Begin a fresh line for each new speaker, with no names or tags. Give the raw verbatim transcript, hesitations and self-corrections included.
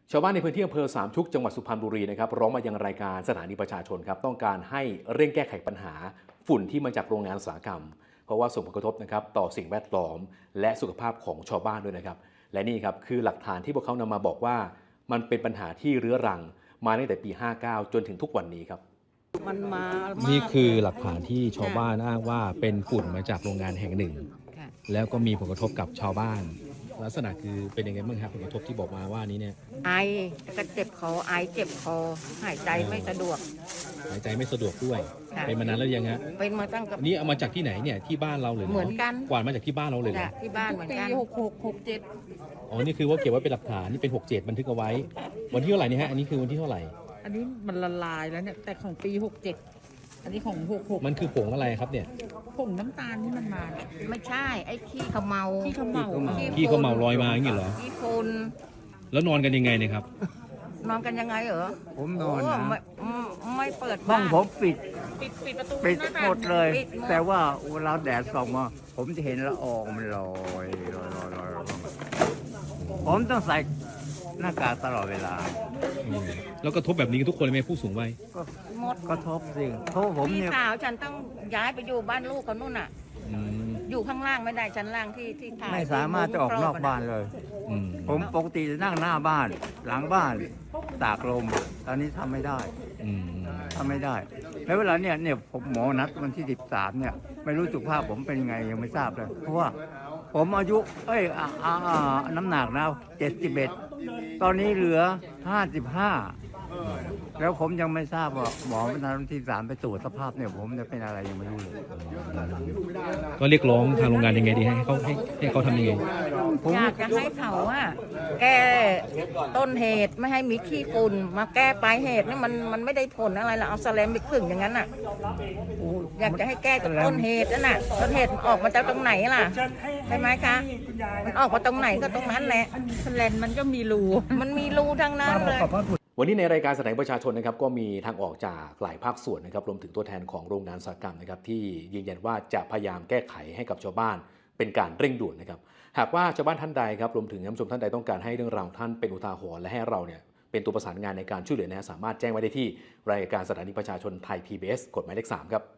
ชาวบ้านในพื้นที่อำเภอสามชุกจังหวัดสุพรรณบุรีนะครับร้องมายังรายการสถานีประชาชนครับต้องการให้เร่งแก้ไขปัญหาฝุ่นที่มาจากโรงงานอุตสาหกรรมเพราะว่าส่งผลกระทบนะครับต่อสิ่งแวดล้อมและสุขภาพของชาวบ้านด้วยนะครับและนี่ครับคือหลักฐานที่พวกเขานำมาบอกว่ามันเป็นปัญหาที่เรื้อรังมาตั้งแต่ปีห้าเก้าจนถึงทุกวันนี้ครับ
มันมา
นี่คือหลักฐานที่ชาวบ้านอ้างว่าเป็นฝุ่นมาจากโรงงานแห่งหนึ่งแล้วก็มีผลกระทบกับชาวบ้านลักษณะคือเป็นยังไงบ้างครับผลกระทบที่บอกมาว่านี้เนี่ย
ไอก็เจ็บคอไอเจ็บคอหายใจไม่สะดวก
หายใจไม่สะดวกด้วยเป็นมานานแล้วยังฮะ
เป็นมาตั้งกับ
นี่เอามาจากที่ไหนเนี่ยที่บ้านเราเลย
เหมือนกัน
กวาดมาจากที่บ้านเราเลยเหรอ
ที่บ้านเหมือนกัน
ปีหกหกหกเจ็ด
อ๋อนี่คือว่าเก็บไว้เป็นหลักฐานนี่เป็นหกเจ็ดบันทึกเอาไว้วันที่เท่าไหร่นี่ฮะอันนี้คือวันที่เท่าไหร่
อันนี้มันละลายแล้วเนี่ยแต่ของปีหกเจ็ดอันนี้ของหกหก
มันคือผงอะไรครับเนี่ย
ผงน้ำตาลที่มันมา
ไม่ใช่ไอ้ขี้ขมเมา
ขี้ขมเมา
ขี้เขาเมาลอยมาอย่างนี้เหรอ
ขี้ฝุ่น
แล้วนอนกันยังไงเนี่ยครับ
นอนกันยังไงเหรอ
ผมนอนนะ
ไม่ไม่เปิด
ห้องผมปิด
ปิดปิดประตู
ปิดหมดเลยแต่ว่าเวลาแดดส่องมาผมจะเห็นละอองมันลอยลอยลอยลอยผมต้องใส่หน้ากากตลอดเวลา
แล้วก็ทบแบบนี้ทุกคนเลยไหมผู้สูงวัย
ก็หมดก็ทบสิเพราะผมเนี่ย
พี่สาวฉันต้องย้ายไปอยู่บ้านลูกเขานู่นน่ะอยู่ข้างล่างไม่ได้ชั้นล่างที่ที่
ไม่สามารถจะออกนอกบ้านเลยผมปกติจะนั่งหน้าบ้านหลังบ้านตากลมตอนนี้ทำไม่ได้ทำไม่ได้แล้วเวลาเนี่ยเนี่ยผมหมอนัดวันที่สิบสามเนี่ยไม่รู้สุขภาพผมเป็นไงยังไม่ทราบเลยเพราะว่าผมอายุเอ้ยน้ำหนักนะเจ็ดสิบเอ็ดตอนนี้เหลือห้าสิบห้าแล้วผมยังไม่ทราบว่าหมอวันที่สามไปตรวจสภาพเนี่ยผมจะเป็นอะไรยังไม่รู้เลย
ก็เรียกร้องทางโรงงานยังไงดีให้เขาให้ให้เขาทำยังไง
อยากจะให้เขาอะแก้ต้นเหตุไม่ให้มีขี้ฝุ่นมาแก้ปลายเหตุนี่มันมันไม่ได้ผลอะไรละเอาสแลมไปขึงอย่างนั้นน่ะอยากจะให้แก้จากต้นเหตุนั่นน่ะต้นเหตุออกมาจากตรงไหนล่ะใช่ไหมคะมันออกมาตรงไหนก็ตรงนั้นแหละ
สแลมมันก็มีรู
มันมีรูทั้งนั้นเลย
วันนี้ในรายการแสดงประชาชนนะครับก็มีทางออกจากหลายภาคส่วนนะครับรวมถึงตัวแทนของโรงงานอุตสาหกรรมนะครับที่ยืนยันว่าจะพยายามแก้ไขให้กับชาวบ้านเป็นการเร่งด่วนนะครับหากว่าชาวบ้านท่านใดครับรวมถึงท่านผู้ชมท่านใดต้องการให้เรื่องราวท่านเป็นอุทาหรณ์และให้เราเนี่ยเป็นตัวประสานงานในการช่วยเหลือนะสามารถแจ้งไว้ได้ที่รายการสถานีประชาชนไทย พี บี เอส กฎหมายเลขสามครับ